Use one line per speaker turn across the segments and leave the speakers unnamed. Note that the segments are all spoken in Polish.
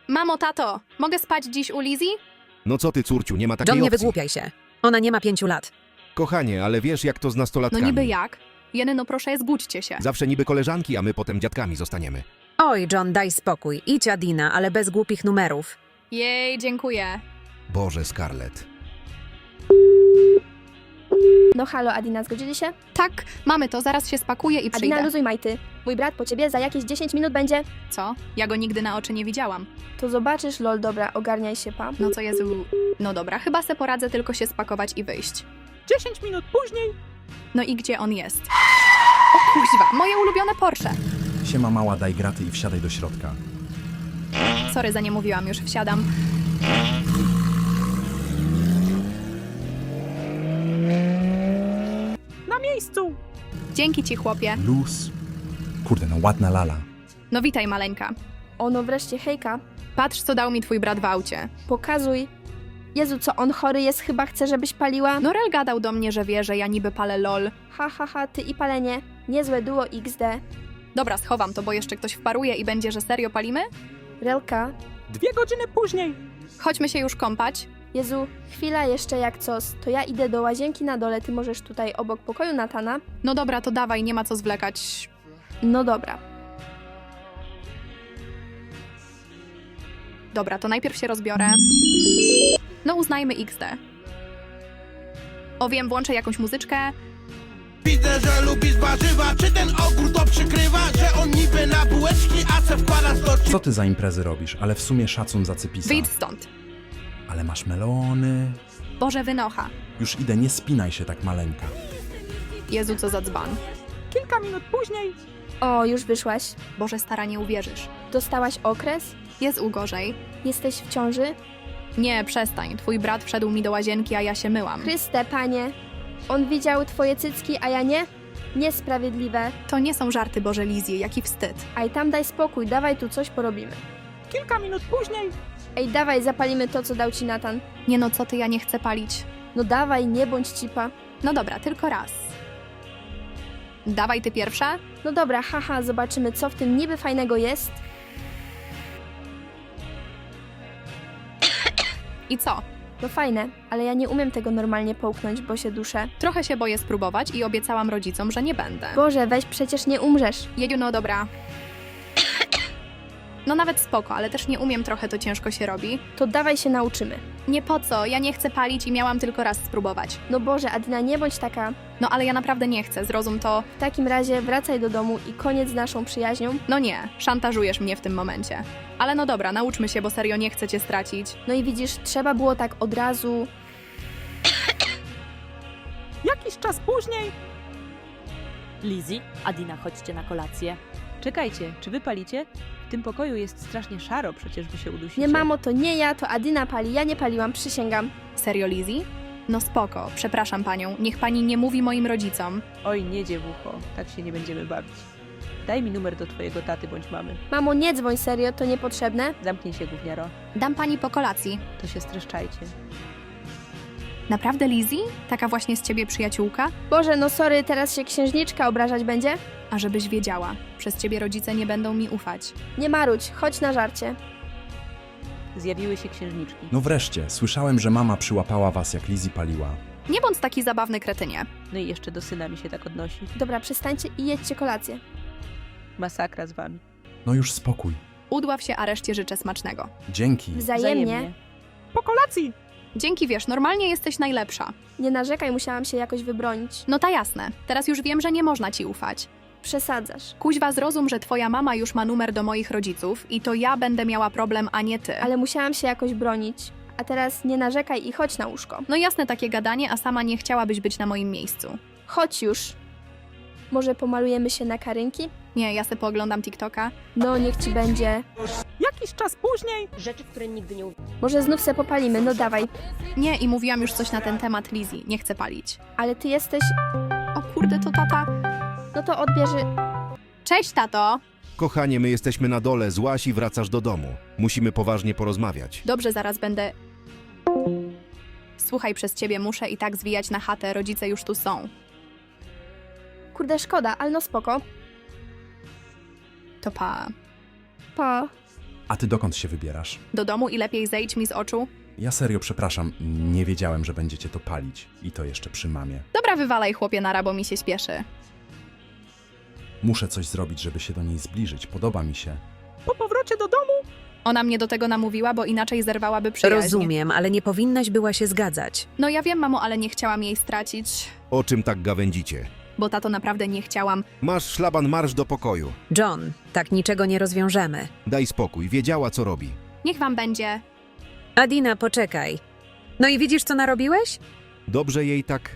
Mamo, tato, mogę spać dziś u Lizzie?
No co ty, córciu, nie ma takiej
John, nie
opcji.
wygłupiaj się. Ona nie ma 5 lat.
Kochanie, ale wiesz jak to z
No
nastolatkami.
niby jak? Jeny, no proszę, zgódźcie się.
Zawsze niby koleżanki, a my potem dziadkami zostaniemy.
Oj, John, daj spokój. Idź, Adina, ale bez głupich numerów.
Jej, dziękuję.
Boże, Scarlett.
No halo, Adina, zgodzili się?
Tak, mamy to, zaraz się spakuję i przyjdę.
Adina, luzuj majty. Mój brat po ciebie za jakieś 10 minut będzie.
Co? Ja go nigdy na oczy nie widziałam.
To zobaczysz, lol, dobra, ogarniaj się, pa.
No co Jezu... No dobra, chyba se poradzę tylko się spakować i wyjść.
10 minut później.
No i gdzie on jest? O kuźwa, moje ulubione Porsche.
Siema mała, daj graty i wsiadaj do środka.
Sorry, za nie mówiłam, już wsiadam.
Na miejscu.
Dzięki ci, chłopie.
Luz. Kurde, no ładna lala.
No witaj, maleńka.
Ono wreszcie, hejka.
Patrz, co dał mi twój brat w aucie.
Pokazuj. Jezu, co on chory jest, chyba chce, żebyś paliła?
No Rel gadał do mnie, że wie, że ja niby palę lol.
Ha, ha, ha, ty i palenie. Niezłe duo XD.
Dobra, schowam to, bo jeszcze ktoś wparuje i będzie, że serio palimy?
Relka.
2 godziny później.
Chodźmy się już kąpać.
Jezu, chwila jeszcze jak cos. To ja idę do łazienki na dole, ty możesz tutaj obok pokoju Natana.
No dobra, to dawaj, nie ma co zwlekać.
No dobra.
Dobra, to najpierw się rozbiorę. No uznajmy XD. O wiem, włączę jakąś muzyczkę.
Widzę, że lubisz warzywa. Czy ten ogór to przykrywa? Że on niby na bułeczki, a se wkładasz do
Co ty za imprezy robisz? Ale w sumie szacun za cypisa.
Wyjdź stąd.
Ale masz melony.
Boże, wynocha.
Już idę, nie spinaj się tak maleńka.
Jezu, co za dzban.
Kilka minut później.
O, już wyszłaś.
Boże, stara, nie uwierzysz.
Dostałaś okres?
Jest ugorzej.
Jesteś w ciąży?
Nie, przestań. Twój brat wszedł mi do łazienki, a ja się myłam.
Chryste, panie. On widział twoje cycki, a ja nie? Niesprawiedliwe.
To nie są żarty, Boże Lizzie, jaki wstyd.
Aj tam daj spokój, dawaj tu coś porobimy.
Kilka minut później.
Ej, dawaj, zapalimy to, co dał ci Natan.
Nie no, co ty, ja nie chcę palić.
No dawaj, nie bądź cipa.
No dobra, tylko raz. Dawaj ty pierwsza.
No dobra, haha, zobaczymy, co w tym niby fajnego jest.
I co?
No fajne, ale ja nie umiem tego normalnie połknąć, bo się duszę.
Trochę się boję spróbować i obiecałam rodzicom, że nie będę.
Boże, weź, przecież nie umrzesz.
Jedziu, no dobra. No nawet spoko, ale też nie umiem, trochę to ciężko się robi.
To dawaj się nauczymy.
Nie po co, ja nie chcę palić i miałam tylko raz spróbować.
No Boże, Adina, nie bądź taka.
No ale ja naprawdę nie chcę, zrozum to.
W takim razie wracaj do domu i koniec z naszą przyjaźnią.
No nie, szantażujesz mnie w tym momencie. Ale no dobra, nauczmy się, bo serio nie chcę cię stracić.
No i widzisz, trzeba było tak od razu.
Jakiś czas później.
Lizzie, Adina, chodźcie na kolację.
Czekajcie, czy wy palicie? W tym pokoju jest strasznie szaro, przecież wy się udusicie.
Nie mamo, to nie ja, to Adina pali, ja nie paliłam, przysięgam.
Serio, Lizzie? No spoko, przepraszam panią, niech pani nie mówi moim rodzicom.
Oj, nie dziewucho, tak się nie będziemy bawić. Daj mi numer do twojego taty bądź mamy.
Mamo, nie dzwoń, serio, to niepotrzebne.
Zamknij się, gówniaro.
Dam pani po kolacji.
To się streszczajcie.
Naprawdę, Lizzie? Taka właśnie z ciebie przyjaciółka?
Boże, no sorry, teraz się księżniczka obrażać będzie?
A żebyś wiedziała, przez ciebie rodzice nie będą mi ufać.
Nie marudź, chodź na żarcie.
Zjawiły się księżniczki.
No wreszcie, słyszałem, że mama przyłapała was jak Lizzie paliła.
Nie bądź taki zabawny, kretynie.
No i jeszcze do syna mi się tak odnosi.
Dobra, przestańcie i jedźcie kolację.
Masakra z wami.
No już spokój.
Udław się, a reszcie życzę smacznego.
Dzięki.
Wzajemnie.
Po kolacji.
Dzięki, wiesz, normalnie jesteś najlepsza.
Nie narzekaj, musiałam się jakoś wybronić.
No ta jasne, teraz już wiem, że nie można ci ufać.
Przesadzasz.
Kuźwa, zrozum, że twoja mama już ma numer do moich rodziców i to ja będę miała problem, a nie ty.
Ale musiałam się jakoś bronić. A teraz nie narzekaj i chodź na łóżko.
No jasne takie gadanie, a sama nie chciałabyś być na moim miejscu.
Chodź już. Może pomalujemy się na karynki?
Nie, ja se pooglądam TikToka.
No, niech ci będzie.
Jakiś czas później.
Rzeczy, w które nigdy nie
Może znów se popalimy, no dawaj.
Nie, i mówiłam już coś na ten temat, Lizzie, nie chcę palić.
Ale ty jesteś...
O kurde, to tata.
No to odbierze...
Cześć, tato!
Kochanie, my jesteśmy na dole, złaś i wracasz do domu. Musimy poważnie porozmawiać.
Dobrze, zaraz będę... Słuchaj, przez ciebie muszę i tak zwijać na chatę, rodzice już tu są.
Kurde, szkoda, ale no spoko.
To pa.
Pa.
A ty dokąd się wybierasz?
Do domu i lepiej zejdź mi z oczu.
Ja serio przepraszam, nie wiedziałem, że będziecie to palić. I to jeszcze przy mamie.
Dobra, wywalaj chłopie nara, bo mi się śpieszy.
Muszę coś zrobić, żeby się do niej zbliżyć. Podoba mi się.
Po powrocie do domu
Ona mnie do tego namówiła, bo inaczej zerwałaby przyjaźń.
Rozumiem, ale nie powinnaś była się zgadzać.
No ja wiem, mamo, ale nie chciałam jej stracić.
O czym tak gawędzicie?
Bo tato, naprawdę nie chciałam.
Masz szlaban, marsz do pokoju.
John, tak niczego nie rozwiążemy.
Daj spokój, wiedziała co robi.
Niech wam będzie.
Adina, poczekaj. No i widzisz, co narobiłeś?
Dobrze jej tak...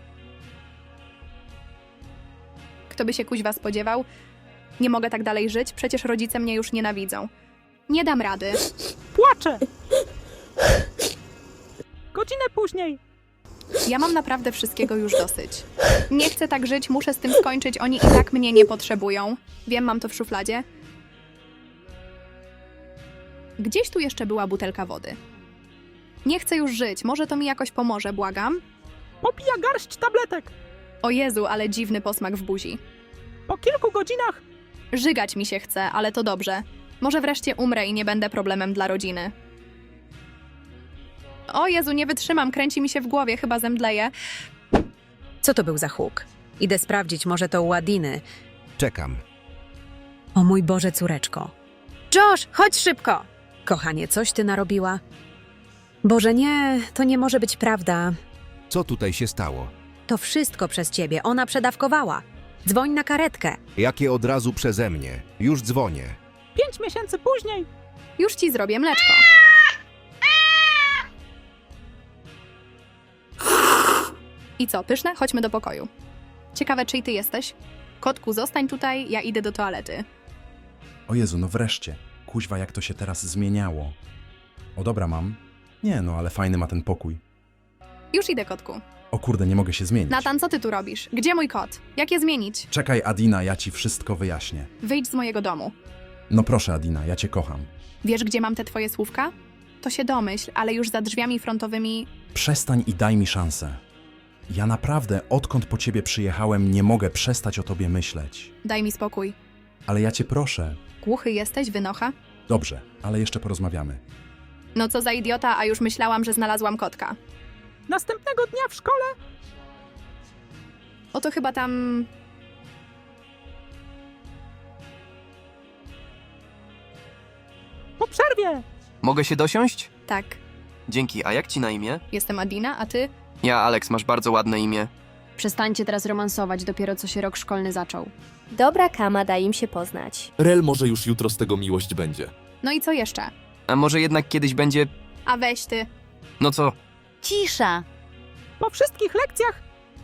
Kto by się kuźwa spodziewał? Nie mogę tak dalej żyć, przecież rodzice mnie już nienawidzą. Nie dam rady.
płacze. Godzinę później.
Ja mam naprawdę wszystkiego już dosyć. Nie chcę tak żyć, muszę z tym skończyć, oni i tak mnie nie potrzebują. Wiem, mam to w szufladzie. Gdzieś tu jeszcze była butelka wody. Nie chcę już żyć, może to mi jakoś pomoże, błagam.
Popija garść tabletek.
O Jezu, ale dziwny posmak w buzi.
Po kilku godzinach
Żygać mi się chce, ale to dobrze. Może wreszcie umrę i nie będę problemem dla rodziny. O Jezu, nie wytrzymam, kręci mi się w głowie, chyba zemdleję.
Co to był za huk? Idę sprawdzić, może to u Adiny.
Czekam.
O mój Boże, córeczko. Josh, chodź szybko! Kochanie, coś ty narobiła? Boże, nie, to nie może być prawda.
Co tutaj się stało?
To wszystko przez ciebie, ona przedawkowała. Dzwoń na karetkę.
Jakie od razu przeze mnie? Już dzwonię.
5 miesięcy później.
Już ci zrobię mleczko. I co, pyszne? Chodźmy do pokoju. Ciekawe, czyj ty jesteś? Kotku, zostań tutaj, ja idę do toalety.
O Jezu, no wreszcie. Kuźwa, jak to się teraz zmieniało. O dobra, mam. Nie, no ale fajny ma ten pokój.
Już idę, kotku.
O kurde, nie mogę się zmienić.
Natan, co ty tu robisz? Gdzie mój kot? Jak je zmienić?
Czekaj, Adina, ja ci wszystko wyjaśnię.
Wyjdź z mojego domu.
No proszę, Adina, ja cię kocham.
Wiesz, gdzie mam te twoje słówka? To się domyśl, ale już za drzwiami frontowymi...
Przestań i daj mi szansę. Ja naprawdę, odkąd po ciebie przyjechałem, nie mogę przestać o tobie myśleć.
Daj mi spokój.
Ale ja cię proszę.
Głuchy jesteś, wynocha?
Dobrze, ale jeszcze porozmawiamy.
No co za idiota, a już myślałam, że znalazłam kotka.
Następnego dnia w szkole
Oto chyba tam...
po przerwie.
Mogę się dosiąść?
Tak,
Dzięki, a jak ci na imię?
jestem Adina, a ty?
Ja, Alex, masz bardzo ładne imię.
Przestańcie teraz romansować, dopiero co się rok szkolny zaczął.
Dobra kama, daj im się poznać.
Rel, może już jutro z tego miłość będzie.
No i co jeszcze?
A może jednak kiedyś będzie...
A weź ty.
No co?
Cisza!
Po wszystkich lekcjach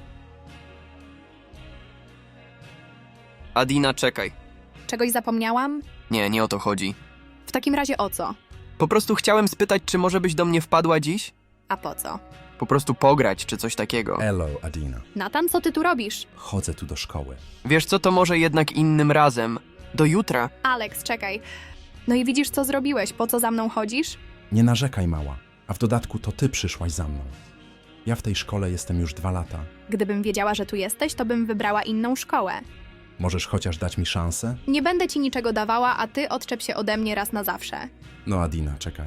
Adina, czekaj.
Czegoś zapomniałam?
Nie, nie o to chodzi.
W takim razie o co?
Po prostu chciałem spytać, czy może byś do mnie wpadła dziś?
A po co?
Po prostu pograć, czy coś takiego.
Hello, Adina.
Natan, co ty tu robisz?
Chodzę tu do szkoły.
Wiesz co, to może jednak innym razem. Do jutra.
Alex, czekaj. No i widzisz, co zrobiłeś? Po co za mną chodzisz?
Nie narzekaj, mała. A w dodatku to ty przyszłaś za mną. Ja w tej szkole jestem już 2 lata.
Gdybym wiedziała, że tu jesteś, to bym wybrała inną szkołę.
Możesz chociaż dać mi szansę?
Nie będę ci niczego dawała, a ty odczep się ode mnie raz na zawsze.
No, Adina, czekaj.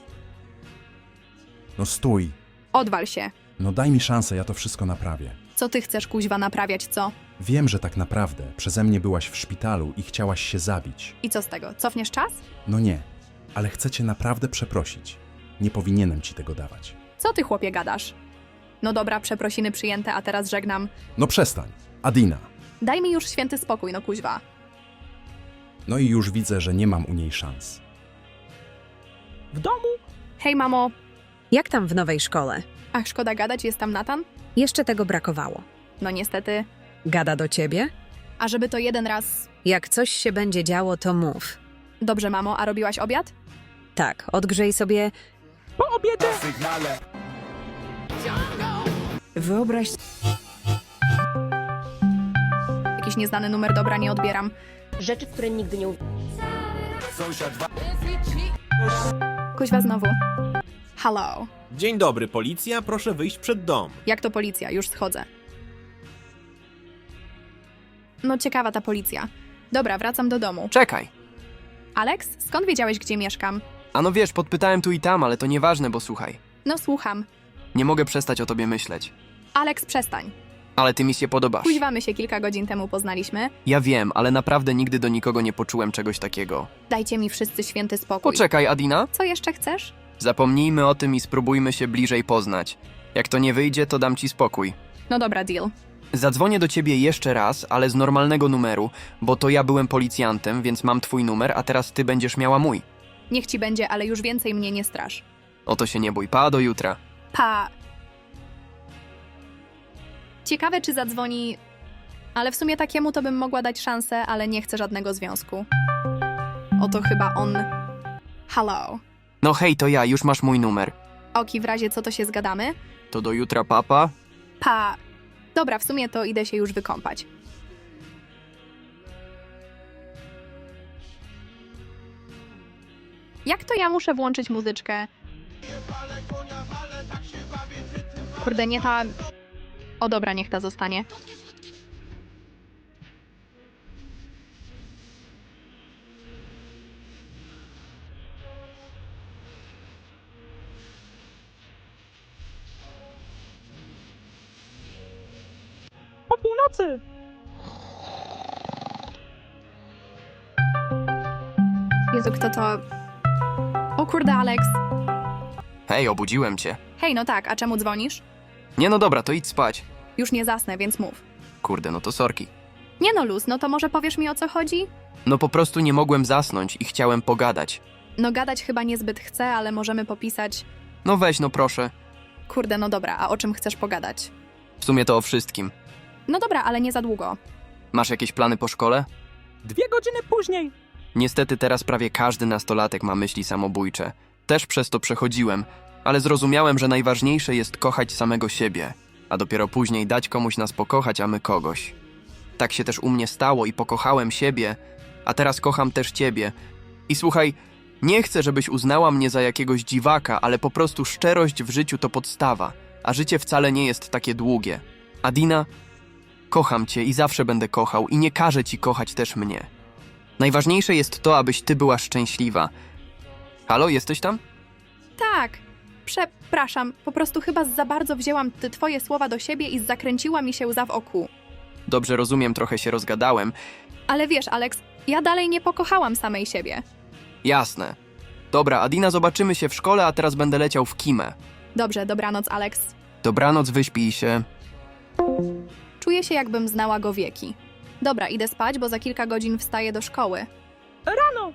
No stój.
Odwal się.
No daj mi szansę, ja to wszystko naprawię.
Co ty chcesz, kuźwa, naprawiać, co?
Wiem, że tak naprawdę przeze mnie byłaś w szpitalu i chciałaś się zabić.
I co z tego? Cofniesz czas?
No nie, ale chcę cię naprawdę przeprosić. Nie powinienem ci tego dawać.
Co ty, chłopie, gadasz? No dobra, przeprosiny przyjęte, a teraz żegnam.
No przestań. Adina.
Daj mi już święty spokój, no kuźwa.
No i już widzę, że nie mam u niej szans.
w domu
Hej, mamo.
Jak tam w nowej szkole?
Ach, szkoda gadać, jest tam Natan?
Jeszcze tego brakowało.
No niestety.
Gada do ciebie?
A żeby to jeden raz...
Jak coś się będzie działo, to mów.
Dobrze, mamo, a robiłaś obiad?
Tak, odgrzej sobie...
po obiedzie
Wyobraź...
Jakiś nieznany numer, dobra, nie odbieram.
Rzeczy, w które nigdy nie
Kuźwa znowu. Hello.
Dzień dobry, policja, proszę wyjść przed dom.
Jak to policja? Już schodzę. No ciekawa ta policja. Dobra, wracam do domu.
Czekaj.
Alex, skąd wiedziałeś, gdzie mieszkam?
A no wiesz, podpytałem tu i tam, ale to nieważne, bo słuchaj.
No słucham.
Nie mogę przestać o tobie myśleć.
Alex, przestań.
Ale ty mi się podobasz.
Kuźwa, my się kilka godzin temu poznaliśmy.
Ja wiem, ale naprawdę nigdy do nikogo nie poczułem czegoś takiego.
Dajcie mi wszyscy święty spokój.
Poczekaj, Adina.
Co jeszcze chcesz?
Zapomnijmy o tym i spróbujmy się bliżej poznać. Jak to nie wyjdzie, to dam ci spokój.
No dobra, deal.
Zadzwonię do ciebie jeszcze raz, ale z normalnego numeru, bo to ja byłem policjantem, więc mam twój numer, a teraz ty będziesz miała mój.
Niech ci będzie, ale już więcej mnie nie strasz.
O to się nie bój, pa, do jutra.
Pa. Ciekawe, czy zadzwoni... Ale w sumie takiemu to bym mogła dać szansę, ale nie chcę żadnego związku. Oto chyba on... Hello.
No hej, to ja, już masz mój numer.
Oki, w razie co to się zgadamy?
To do jutra, papa.
Pa. Dobra, w sumie to idę się już wykąpać. Jak to ja muszę włączyć muzyczkę? Kurde, nie ta... O dobra, niech ta zostanie.
Po północy!
Jezu, kto to... O kurde, Alex.
Hej, obudziłem cię.
Hej, no tak, a czemu dzwonisz?
Nie no dobra, to idź spać.
Już nie zasnę, więc mów.
Kurde, no to sorki.
Nie no, Luz, no to może powiesz mi, o co chodzi?
No po prostu nie mogłem zasnąć i chciałem pogadać.
No gadać chyba niezbyt chcę, ale możemy popisać...
No weź, no proszę.
Kurde, no dobra, a o czym chcesz pogadać?
W sumie to o wszystkim.
No dobra, ale nie za długo.
Masz jakieś plany po szkole?
2 godziny później!
Niestety teraz prawie każdy nastolatek ma myśli samobójcze. Też przez to przechodziłem, ale zrozumiałem, że najważniejsze jest kochać samego siebie, a dopiero później dać komuś nas pokochać, a my kogoś. Tak się też u mnie stało i pokochałem siebie, a teraz kocham też ciebie. I słuchaj, nie chcę, żebyś uznała mnie za jakiegoś dziwaka, ale po prostu szczerość w życiu to podstawa, a życie wcale nie jest takie długie. Adina, kocham cię i zawsze będę kochał i nie każę ci kochać też mnie. Najważniejsze jest to, abyś ty była szczęśliwa. Halo, jesteś tam?
Tak. Przepraszam, po prostu chyba za bardzo wzięłam te twoje słowa do siebie i zakręciła mi się łza w oku.
Dobrze rozumiem, trochę się rozgadałem.
Ale wiesz, Alex, ja dalej nie pokochałam samej siebie.
Jasne. Dobra, Adina, zobaczymy się w szkole, a teraz będę leciał w Kimę.
Dobrze, dobranoc, Alex.
Dobranoc, wyśpij się.
Czuję się, jakbym znała go wieki. Dobra, idę spać, bo za kilka godzin wstaję do szkoły.
Rano!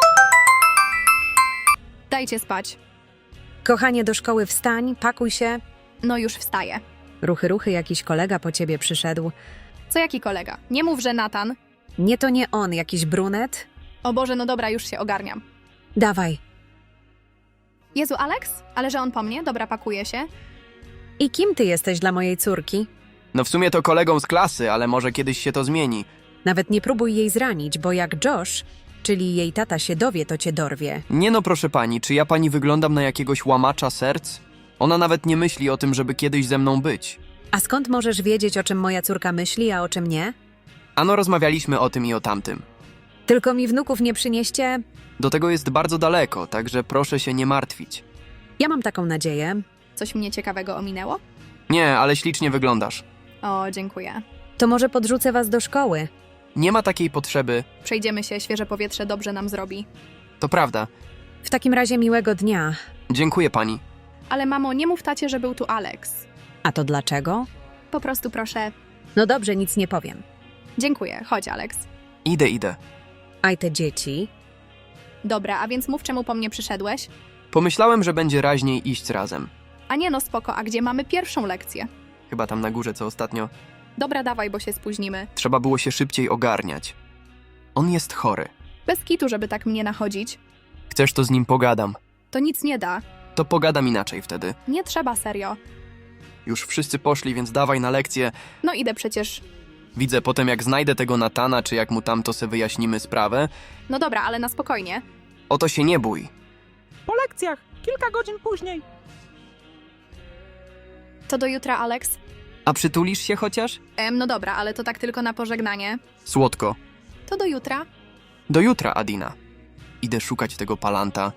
Dajcie spać.
Kochanie, do szkoły wstań, pakuj się.
No już wstaję.
Ruchy, ruchy, jakiś kolega po ciebie przyszedł.
Co jaki kolega? Nie mów, że Natan.
Nie, to nie on, jakiś brunet.
O Boże, no dobra, już się ogarniam.
Dawaj.
Jezu, Alex? Ale że on po mnie? Dobra, pakuję się.
I kim ty jesteś dla mojej córki?
No w sumie to kolegą z klasy, ale może kiedyś się to zmieni.
Nawet nie próbuj jej zranić, bo jak Josh, czyli jej tata się dowie, to cię dorwie.
Nie no, proszę pani, czy ja pani wyglądam na jakiegoś łamacza serc? Ona nawet nie myśli o tym, żeby kiedyś ze mną być.
A skąd możesz wiedzieć, o czym moja córka myśli, a o czym nie?
Ano rozmawialiśmy o tym i o tamtym.
Tylko mi wnuków nie przynieście.
Do tego jest bardzo daleko, także proszę się nie martwić.
Ja mam taką nadzieję.
Coś mnie ciekawego ominęło?
Nie, ale ślicznie wyglądasz.
O, dziękuję.
To może podrzucę was do szkoły.
Nie ma takiej potrzeby,
Przejdziemy się, świeże powietrze dobrze nam zrobi.
to prawda.
W takim razie miłego dnia.
Dziękuję pani.
Ale mamo, nie mów tacie, że był tu Alex.
A to dlaczego?
Po prostu proszę.
No dobrze, nic nie powiem.
Dziękuję, chodź Alex.
Idę.
Aj te dzieci.
Dobra, a więc mów, czemu po mnie przyszedłeś?
Pomyślałem, że będzie raźniej iść razem.
A nie no, spoko, a gdzie mamy pierwszą lekcję?
Chyba tam na górze, co ostatnio.
Dobra, dawaj, bo się spóźnimy.
Trzeba było się szybciej ogarniać. On jest chory.
Bez kitu, żeby tak mnie nachodzić.
Chcesz, to z nim pogadam.
To nic nie da.
To pogadam inaczej wtedy.
Nie trzeba, serio.
Już wszyscy poszli, więc dawaj na lekcję.
No idę przecież.
Widzę potem, jak znajdę tego Natana, czy jak mu tamto se wyjaśnimy sprawę.
No dobra, ale na spokojnie.
O to się nie bój.
Po lekcjach! Kilka godzin później!
To do jutra, Alex?
A przytulisz się chociaż?
No dobra, ale to tak tylko na pożegnanie.
Słodko.
To do jutra?
Do jutra, Adina. Idę szukać tego palanta.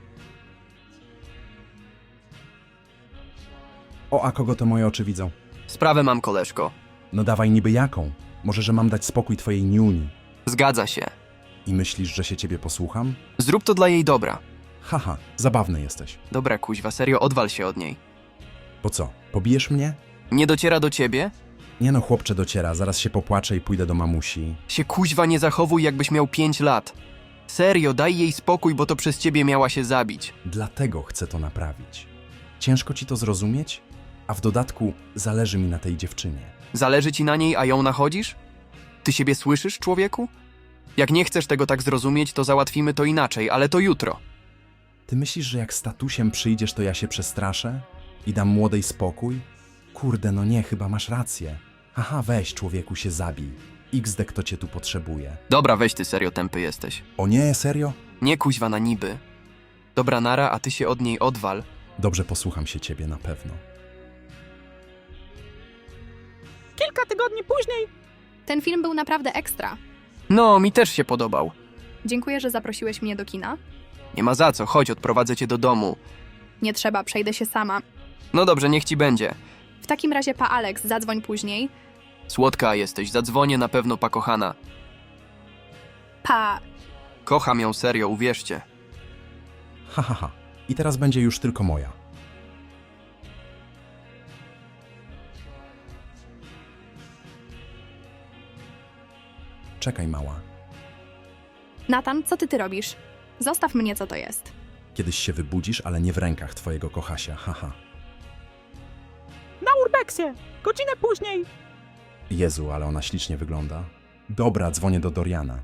O, a kogo to moje oczy widzą?
Sprawę mam, koleżko.
No dawaj niby jaką? Może, że mam dać spokój twojej niuni?
Zgadza się.
I myślisz, że się ciebie posłucham?
Zrób to dla jej dobra.
Haha, zabawny jesteś.
Dobra, kuźwa, serio, odwal się od niej.
Bo co, pobijesz mnie?
Nie dociera do ciebie?
Nie no, chłopcze dociera, zaraz się popłaczę i pójdę do mamusi.
Się kuźwa nie zachowuj, jakbyś miał 5 lat. Serio, daj jej spokój, bo to przez ciebie miała się zabić.
Dlatego chcę to naprawić. Ciężko ci to zrozumieć? A w dodatku zależy mi na tej dziewczynie.
Zależy ci na niej, a ją nachodzisz? Ty siebie słyszysz, człowieku? Jak nie chcesz tego tak zrozumieć, to załatwimy to inaczej, ale to jutro.
Ty myślisz, że jak z tatusiem przyjdziesz, to ja się przestraszę? I dam młodej spokój? Kurde, no nie, chyba masz rację. Aha, weź, człowieku, się zabij. XD, kto cię tu potrzebuje.
Dobra, weź ty, serio tępy jesteś.
O nie, serio?
Nie kuźwa na niby. Dobra, nara, a ty się od niej odwal.
Dobrze, posłucham się ciebie na pewno.
Kilka tygodni później.
Ten film był naprawdę ekstra.
No, mi też się podobał.
Dziękuję, że zaprosiłeś mnie do kina.
Nie ma za co, chodź, odprowadzę cię do domu.
Nie trzeba, przejdę się sama.
No dobrze, niech ci będzie.
W takim razie, pa Alex, zadzwoń później.
Słodka jesteś, zadzwonię na pewno, pa kochana.
Pa...
Kocham ją serio, uwierzcie.
Ha, ha, ha. I teraz będzie już tylko moja. Czekaj, mała.
Nathan, co ty robisz? Zostaw mnie, co to jest.
Kiedyś się wybudzisz, ale nie w rękach twojego kochasia, haha.
Na urbexie. Godzinę później.
Jezu, ale ona ślicznie wygląda. Dobra, dzwonię do Doriana.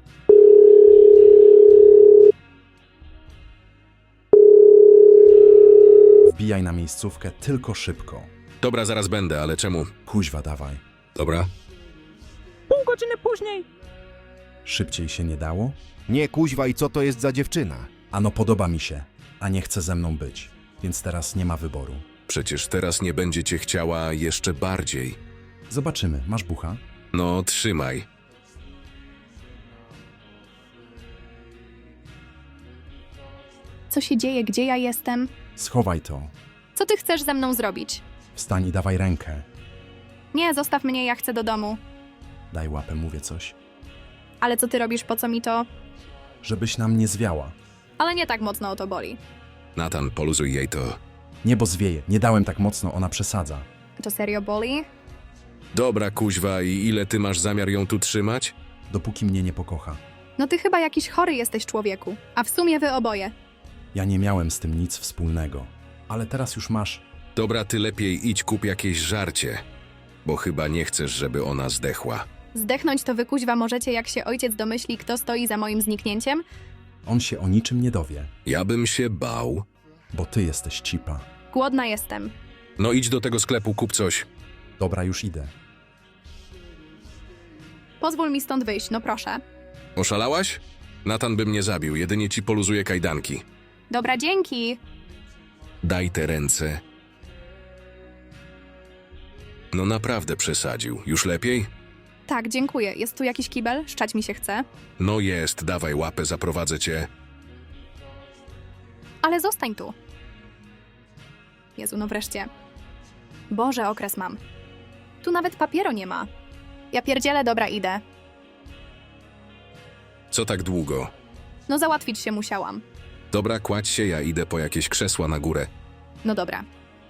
Wbijaj na miejscówkę, tylko szybko.
Dobra, zaraz będę, ale czemu?
Kuźwa, dawaj.
Dobra.
Pół godziny później.
Szybciej się nie dało?
Nie, kuźwa, i co to jest za dziewczyna?
Ano, podoba mi się, a nie chce ze mną być, więc teraz nie ma wyboru.
Przecież teraz nie będzie cię chciała jeszcze bardziej.
Zobaczymy, masz bucha?
No, trzymaj.
Co się dzieje? Gdzie ja jestem?
Schowaj to.
Co ty chcesz ze mną zrobić?
Wstań i dawaj rękę.
Nie, zostaw mnie, ja chcę do domu.
Daj łapę, mówię coś.
Ale co ty robisz, po co mi to?
Żebyś nam nie zwiała.
Ale nie tak mocno o to boli.
Natan, poluzuj jej to.
Niebo zwieje, nie dałem tak mocno, ona przesadza.
To serio boli?
Dobra, kuźwa, i ile ty masz zamiar ją tu trzymać?
Dopóki mnie nie pokocha.
No ty chyba jakiś chory jesteś, człowieku. A w sumie wy oboje.
Ja nie miałem z tym nic wspólnego. Ale teraz już masz.
Dobra, ty lepiej idź kup jakieś żarcie, bo chyba nie chcesz, żeby ona zdechła.
Zdechnąć to wy, kuźwa, możecie, jak się ojciec domyśli, kto stoi za moim zniknięciem?
On się o niczym nie dowie,
Ja bym się bał.
bo ty jesteś cipa.
Głodna jestem.
No idź do tego sklepu, kup coś.
Dobra, już idę.
Pozwól mi stąd wyjść, no proszę.
Oszalałaś? Natan by mnie zabił, jedynie ci poluzuje kajdanki.
Dobra, dzięki.
Daj te ręce. No naprawdę przesadził. Już lepiej?
Tak, dziękuję. Jest tu jakiś kibel? Szczać mi się chce.
No jest, dawaj łapę, zaprowadzę cię.
Ale zostań tu. Jezu, no wreszcie. Boże, okres mam. Tu nawet papieru nie ma. Ja pierdzielę, dobra, idę.
Co tak długo?
No załatwić się musiałam.
Dobra, kładź się, ja idę po jakieś krzesła na górę.
No dobra.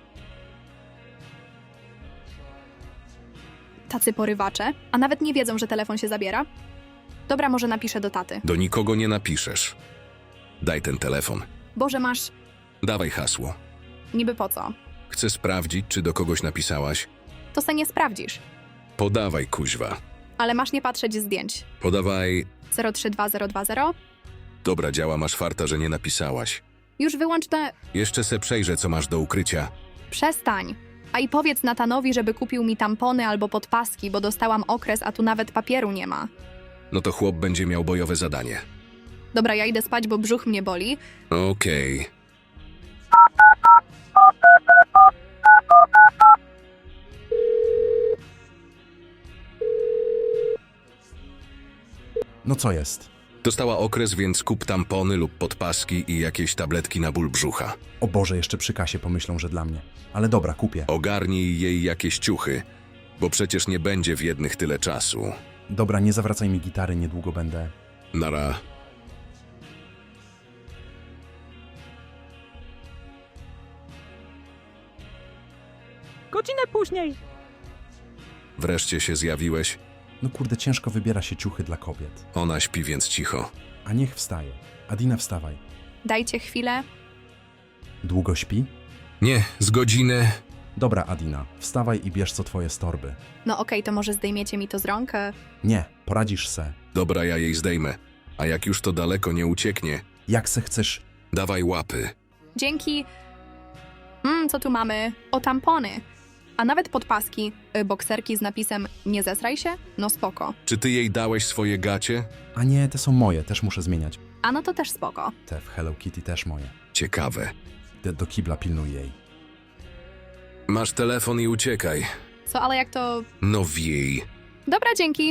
Tacy porywacze, a nawet nie wiedzą, że telefon się zabiera? Dobra, może napiszę do taty.
Do nikogo nie napiszesz. Daj ten telefon.
Boże, masz...
Dawaj hasło.
Niby po co?
Chcę sprawdzić, czy do kogoś napisałaś.
To se nie sprawdzisz.
Podawaj, kuźwa.
Ale masz nie patrzeć zdjęć.
Podawaj...
032020?
Dobra, działa, masz farta, że nie napisałaś.
Już wyłącz te...
Jeszcze se przejrzę, co masz do ukrycia.
Przestań. A i powiedz Natanowi, żeby kupił mi tampony albo podpaski, bo dostałam okres, a tu nawet papieru nie ma.
No to chłop będzie miał bojowe zadanie.
Dobra, ja idę spać, bo brzuch mnie boli.
Okej.
No co jest?
Dostała okres, więc kup tampony lub podpaski i jakieś tabletki na ból brzucha.
O Boże, jeszcze przy kasie pomyślą, że dla mnie. Ale dobra, kupię.
Ogarnij jej jakieś ciuchy, bo przecież nie będzie w jednych tyle czasu.
Dobra, nie zawracaj mi gitary, niedługo będę...
Nara.
Godzinę później.
Wreszcie się zjawiłeś.
No kurde, ciężko wybiera się ciuchy dla kobiet.
Ona śpi, więc cicho.
A niech wstaje. Adina, wstawaj.
Dajcie chwilę.
Długo śpi?
Nie, z godziny.
Dobra, Adina, wstawaj i bierz co twoje z torby.
No okej, to może zdejmiecie mi to z rąk?
Nie, poradzisz se.
Dobra, ja jej zdejmę. A jak już to daleko nie ucieknie,
Jak se chcesz...
dawaj łapy.
Dzięki. Co tu mamy? O, tampony. A nawet podpaski, bokserki z napisem nie zesraj się? No spoko.
Czy ty jej dałeś swoje gacie?
A nie, te są moje, też muszę zmieniać.
A no to też spoko.
Te w Hello Kitty też moje.
Ciekawe.
Do kibla pilnuj jej.
Masz telefon i uciekaj.
Co, ale jak to...
No wiej.
Dobra, dzięki.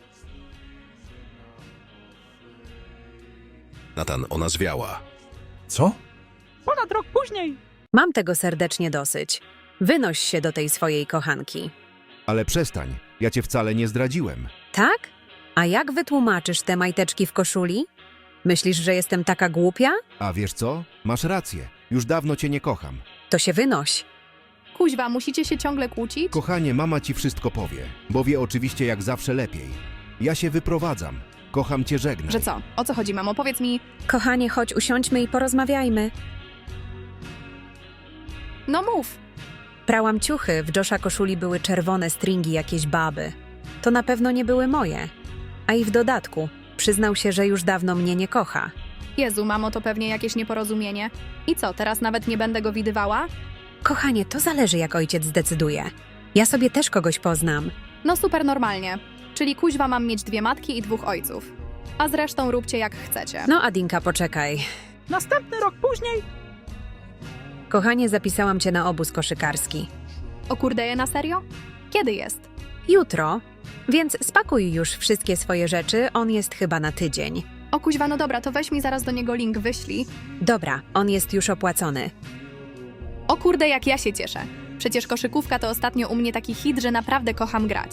Natan, ona zwiała.
Co?
Ponad rok później.
Mam tego serdecznie dosyć. Wynoś się do tej swojej kochanki.
Ale przestań, ja cię wcale nie zdradziłem.
Tak? A jak wytłumaczysz te majteczki w koszuli? Myślisz, że jestem taka głupia?
A wiesz co? Masz rację, już dawno cię nie kocham.
To się wynoś.
Kuźwa, musicie się ciągle kłócić?
Kochanie, mama ci wszystko powie, bo wie oczywiście jak zawsze lepiej. Ja się wyprowadzam, kocham cię, żegnaj.
Że co? O co chodzi, mamo? Powiedz mi...
Kochanie, chodź, usiądźmy i porozmawiajmy.
No mów.
Prałam ciuchy, w Josha koszuli były czerwone stringi jakieś baby. To na pewno nie były moje. A i w dodatku, przyznał się, że już dawno mnie nie kocha.
Jezu, mamo, to pewnie jakieś nieporozumienie. I co, teraz nawet nie będę go widywała?
Kochanie, to zależy jak ojciec zdecyduje. Ja sobie też kogoś poznam.
No super normalnie. Czyli kuźwa mam mieć 2 matki i 2 ojców. A zresztą róbcie jak chcecie.
No Adinka, poczekaj.
Następny rok później.
Kochanie, zapisałam cię na obóz koszykarski.
O kurde, na serio? Kiedy jest?
Jutro, więc spakuj już wszystkie swoje rzeczy, on jest chyba na tydzień.
O kuźwa, no dobra, to weź mi zaraz do niego link wyślij.
Dobra, on jest już opłacony.
O kurde, jak ja się cieszę. Przecież koszykówka to ostatnio u mnie taki hit, że naprawdę kocham grać.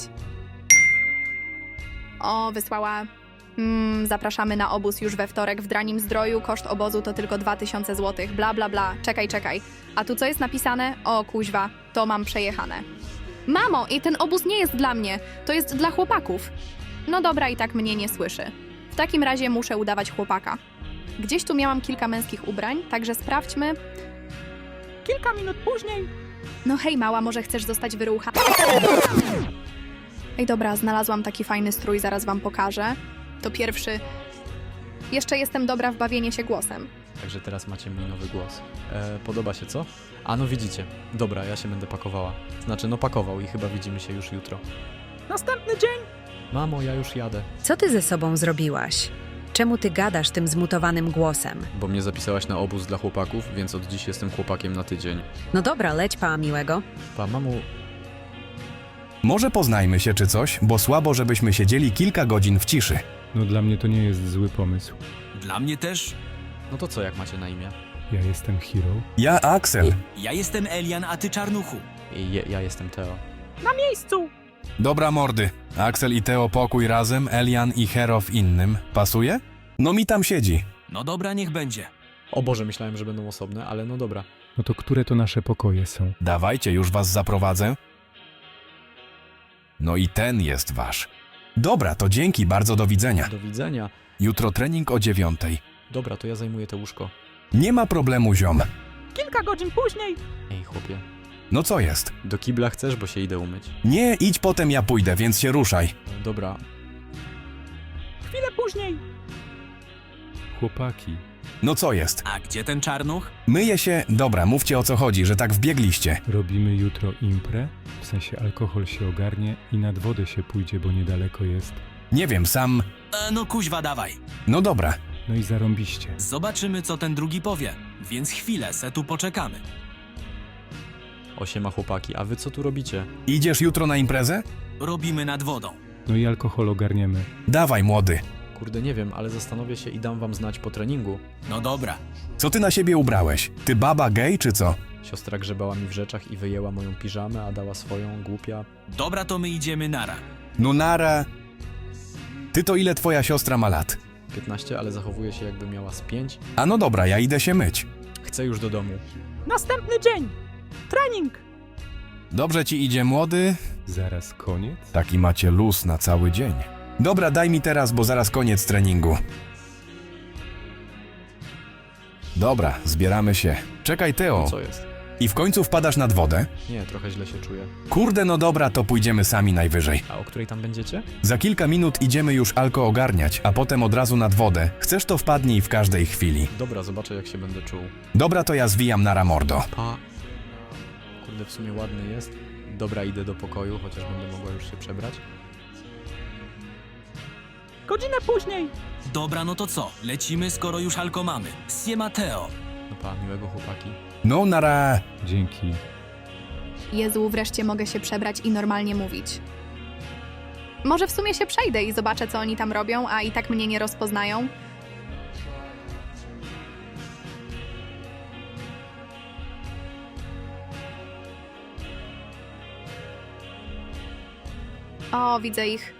O, wysłała... zapraszamy na obóz już we wtorek w Dranim Zdroju. Koszt obozu to tylko 2000 zł. Bla, bla, bla. Czekaj. A tu co jest napisane? O, kuźwa, to mam przejechane. Mamo, i ten obóz nie jest dla mnie. To jest dla chłopaków. No dobra, i tak mnie nie słyszy. W takim razie muszę udawać chłopaka. Gdzieś tu miałam kilka męskich ubrań, także sprawdźmy.
Kilka minut później.
No hej, mała, może chcesz zostać wyrucha? Ej, dobra, znalazłam taki fajny strój, zaraz wam pokażę. To pierwszy. Jeszcze jestem dobra w bawienie się głosem.
Także teraz macie mój nowy głos. Podoba się, co? A no widzicie. Dobra, ja się będę pakowała. Znaczy, no pakował i chyba widzimy się już jutro.
Następny dzień.
Mamo, ja już jadę.
Co ty ze sobą zrobiłaś? Czemu ty gadasz tym zmutowanym głosem?
Bo mnie zapisałaś na obóz dla chłopaków, więc od dziś jestem chłopakiem na tydzień.
No dobra, leć pa miłego.
Pa, mamo...
Może poznajmy się czy coś, bo słabo, żebyśmy siedzieli kilka godzin w ciszy.
No dla mnie to nie jest zły pomysł.
Dla mnie też.
No to co, jak macie na imię?
Ja jestem Hero.
Ja Axel.
Ja jestem Elian, a ty Czarnuchu.
Ja jestem Teo.
Na miejscu.
Dobra mordy. Axel i Teo pokój razem, Elian i Hero w innym. Pasuje? No mi tam siedzi.
No dobra, niech będzie.
O Boże, myślałem, że będą osobne, ale no dobra.
No to które to nasze pokoje są?
Dawajcie, już was zaprowadzę. No i ten jest wasz. Dobra, to dzięki, bardzo do widzenia.
Do widzenia.
Jutro trening o 9:00.
Dobra, to ja zajmuję to łóżko.
Nie ma problemu, ziom.
Kilka godzin później.
Ej, chłopie.
No co jest?
Do kibla chcesz, bo się idę umyć.
Nie, idź potem ja pójdę, więc się ruszaj.
Dobra.
Chwilę później.
Chłopaki.
No co jest?
A gdzie ten Czarnuch?
Myję się... Dobra, mówcie o co chodzi, że tak wbiegliście.
Robimy jutro imprę, w sensie alkohol się ogarnie i nad wodę się pójdzie, bo niedaleko jest.
Nie wiem, sam...
No kuźwa, dawaj.
No dobra.
No i zarąbiście.
Zobaczymy, co ten drugi powie. Więc chwilę, se tu poczekamy.
Osiema chłopaki, a wy co tu robicie?
Idziesz jutro na imprezę?
Robimy nad wodą.
No i alkohol ogarniemy.
Dawaj, młody.
Kurde, nie wiem, ale zastanowię się i dam wam znać po treningu.
No dobra.
Co ty na siebie ubrałeś? Ty baba gej czy co?
Siostra grzebała mi w rzeczach i wyjęła moją piżamę, a dała swoją, głupia.
Dobra, to my idziemy nara.
No nara. Ty to ile twoja siostra ma lat?
15, ale zachowuje się jakby miała z 5.
A no dobra, ja idę się myć.
Chcę już do domu.
Następny dzień. Trening.
Dobrze ci idzie, młody?
Zaraz koniec?
Taki macie luz na cały dzień. Dobra, daj mi teraz, bo zaraz koniec treningu. Dobra, zbieramy się. Czekaj, Teo.
Co jest?
I w końcu wpadasz nad wodę?
Nie, trochę źle się czuję.
Kurde, no dobra, to pójdziemy sami najwyżej.
A o której tam będziecie?
Za kilka minut idziemy już alko ogarniać, a potem od razu nad wodę. Chcesz, to wpadnij w każdej chwili.
Dobra, zobaczę jak się będę czuł.
Dobra, to ja zwijam na ramordo.
Pa. Kurde, w sumie ładny jest. Dobra, idę do pokoju, chociaż będę mogła już się przebrać.
Godzinę później.
Dobra, no to co? Lecimy, skoro już alko mamy. Siema Teo.
No pa, miłego chłopaki.
No, nara.
Dzięki.
Jezu, wreszcie mogę się przebrać i normalnie mówić. Może w sumie się przejdę i zobaczę, co oni tam robią, a i tak mnie nie rozpoznają. O, widzę ich.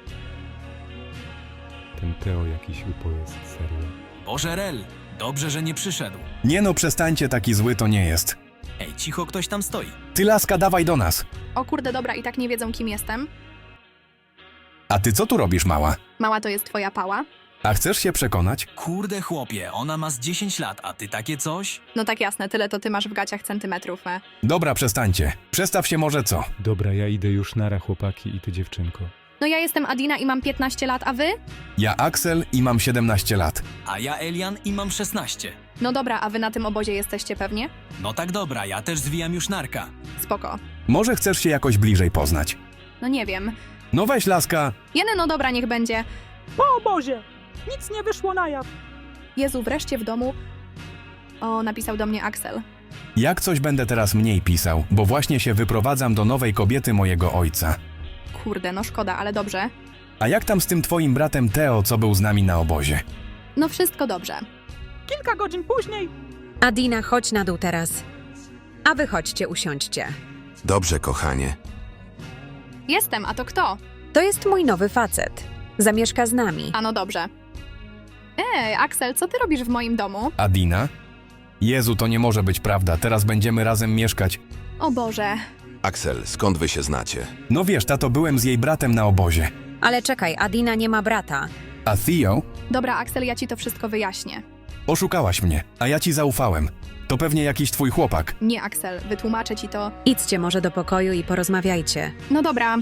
Ten Teo jakiś upo jest, serio.
Boże Rel, dobrze, że nie przyszedł.
Nie no, przestańcie, taki zły to nie jest.
Ej, cicho, ktoś tam stoi.
Ty, laska, dawaj do nas.
O kurde, dobra, i tak nie wiedzą, kim jestem.
A ty co tu robisz, mała?
Mała to jest twoja pała?
A chcesz się przekonać?
Kurde chłopie, ona ma z 10 lat, a ty takie coś?
No tak jasne, tyle to ty masz w gaciach centymetrów,
Dobra, przestańcie. Przestaw się może co?
Dobra, ja idę już nara, chłopaki i ty dziewczynko.
No ja jestem Adina i mam 15 lat, a wy?
Ja Axel i mam 17 lat.
A ja Elian i mam 16.
No dobra, a wy na tym obozie jesteście pewnie?
No tak dobra, ja też zwijam już narka.
Spoko.
Może chcesz się jakoś bliżej poznać?
No nie wiem.
No weź, laska.
No dobra, niech będzie.
Po obozie. Nic nie wyszło na jaw.
Jezu, wreszcie w domu. O, napisał do mnie Axel.
Jak coś będę teraz mniej pisał, bo właśnie się wyprowadzam do nowej kobiety mojego ojca.
Kurde, no szkoda, ale dobrze.
A jak tam z tym twoim bratem Teo, co był z nami na obozie?
No wszystko dobrze.
Kilka godzin później.
Adina, chodź na dół teraz. A wy chodźcie, usiądźcie.
Dobrze, kochanie.
Jestem, a to kto?
To jest mój nowy facet. Zamieszka z nami.
A no dobrze. Axel, co ty robisz w moim domu?
Adina? Jezu, to nie może być prawda, teraz będziemy razem mieszkać.
O Boże.
Axel, skąd wy się znacie?
No wiesz, tato, byłem z jej bratem na obozie.
Ale czekaj, Adina nie ma brata.
A Theo?
Dobra, Axel, ja ci to wszystko wyjaśnię.
Oszukałaś mnie, a ja ci zaufałem. To pewnie jakiś twój chłopak.
Nie, Axel, wytłumaczę ci to.
Idźcie może do pokoju i porozmawiajcie.
No dobra,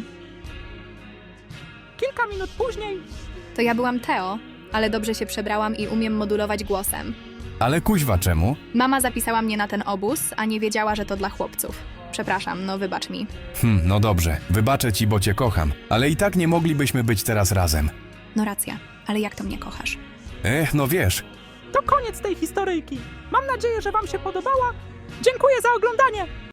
Kilka minut później.
to ja byłam Teo, ale dobrze się przebrałam i umiem modulować głosem.
Ale kuźwa, czemu?
Mama zapisała mnie na ten obóz, a nie wiedziała, że to dla chłopców. Przepraszam, no wybacz mi.
No dobrze, wybaczę ci, bo cię kocham, ale i tak nie moglibyśmy być teraz razem.
No racja, ale jak to mnie kochasz?
No wiesz.
To koniec tej historyjki. Mam nadzieję, że wam się podobała. Dziękuję za oglądanie.